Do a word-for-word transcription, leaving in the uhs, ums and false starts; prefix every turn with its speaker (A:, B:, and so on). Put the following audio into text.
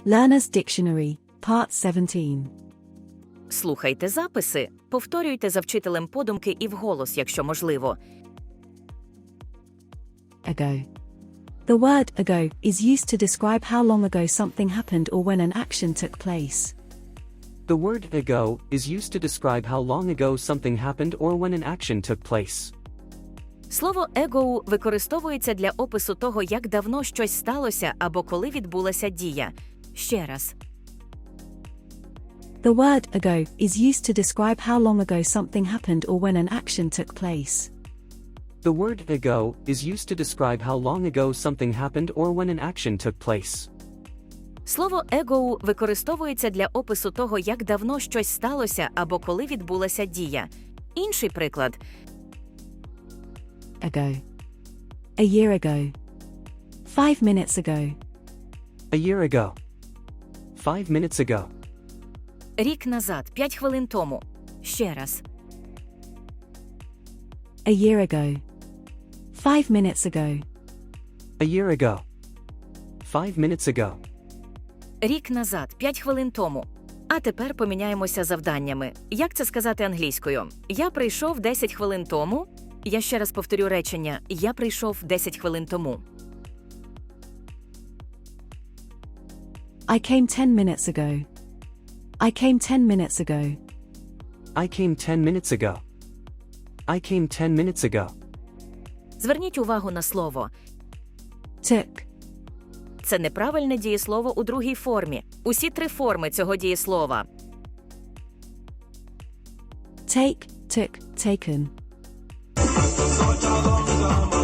A: Learner's Dictionary, Part seventeen.
B: Слухайте записи, повторюйте за вчителем подумки і вголос, якщо можливо.
A: Ago. The word ago is used to describe how long ago something happened or when an action took place.
C: The word ago is used to describe how long ago something happened or when an action took place.
B: Слово ago використовується для опису того, як давно щось сталося або коли відбулася дія. Ще раз.
A: The word ago is used to describe how long ago something happened or when an action took place.
C: The word ago is used to describe how long ago something happened or when an action took place.
B: Слово ago використовується для опису того, як давно щось сталося або коли відбулася дія. Інший приклад.
A: Ago. A year ago. Five minutes ago.
C: A year ago. Five minutes ago.
B: Рік назад, п'ять хвилин тому. Ще раз.
A: A year ago. Five minutes ago.
C: A year ago. Five minutes ago.
B: Рік назад, п'ять хвилин тому. А тепер поміняємося завданнями. Як це сказати англійською? Я прийшов десять хвилин тому. Я ще раз повторю речення. Я прийшов десять хвилин тому.
A: I came ten minutes ago. I came ten minutes ago.
C: I came ten minutes ago. I came ten minutes ago.
B: Зверніть увагу на слово.
A: Took.
B: Це неправильне дієслово у другій формі. Усі три форми цього дієслова.
A: Take, took, taken.